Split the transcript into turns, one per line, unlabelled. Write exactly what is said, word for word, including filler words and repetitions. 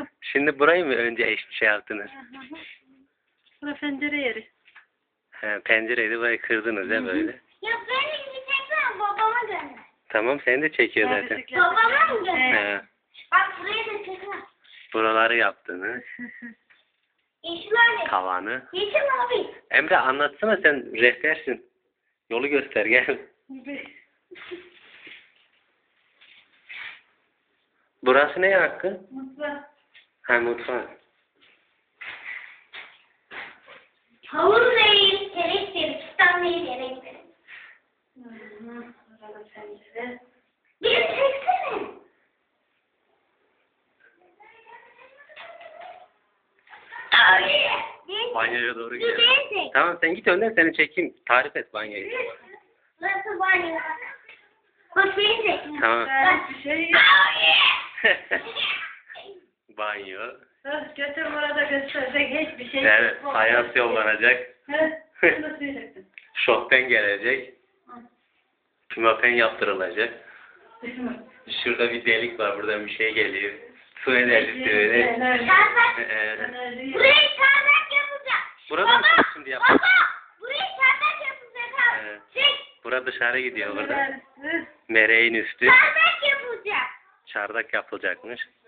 Şimdi burayı mı önce eş şey yaptınız?
Bura pencere yeri.
He, pencereydi, burayı kırdınız ya böyle.
Ya beni bir çeksene, babama gönder.
Tamam, seni de çekiyor
Ha,
zaten.
bisiklet.
Babama mı gönder?
He,
Bak buraya da çeksene.
buraları yaptınız.
Yeşil abi.
Tavanı.
Yeşil abi.
Emre anlatsana, sen rehbersin. Yolu göster gel. Burası ne hakkı?
Mutlu.
Ha, mutfak.
Havuz değil, terek değil, kistan değil, yere gidelim.
Burada pencere.
Bir çeksene. Abi.
Banyoya doğru
Bir
gidelim.
beni çek.
Tamam, sen git önden, seni çekeyim. Tarif et banyoyu.
Burası banyo. Bak beni çek.
Tamam.
Ben bir şey yok.
Abi.
Banyo.
Öh, götür orada gösterecek hiçbir şey
Evet,
yok.
fayans yollanacak.
Heh, bunu söyleyecektim.
Şofben gelecek. Pimapen yaptırılacak. Şurada bir delik var, buradan bir şey geliyor. Su enerjisi öyle.
Çardak.
Ee,
Buraya çardak yapacak.
Burada mı
Baba,
şimdi
baba.
yapacak?
Buraya çardak yapacak abi.
Evet.
Çek.
Bura dışarı gidiyor burada. Mereğin üstü.
Çardak yapacak.
Çardak yapılacakmış.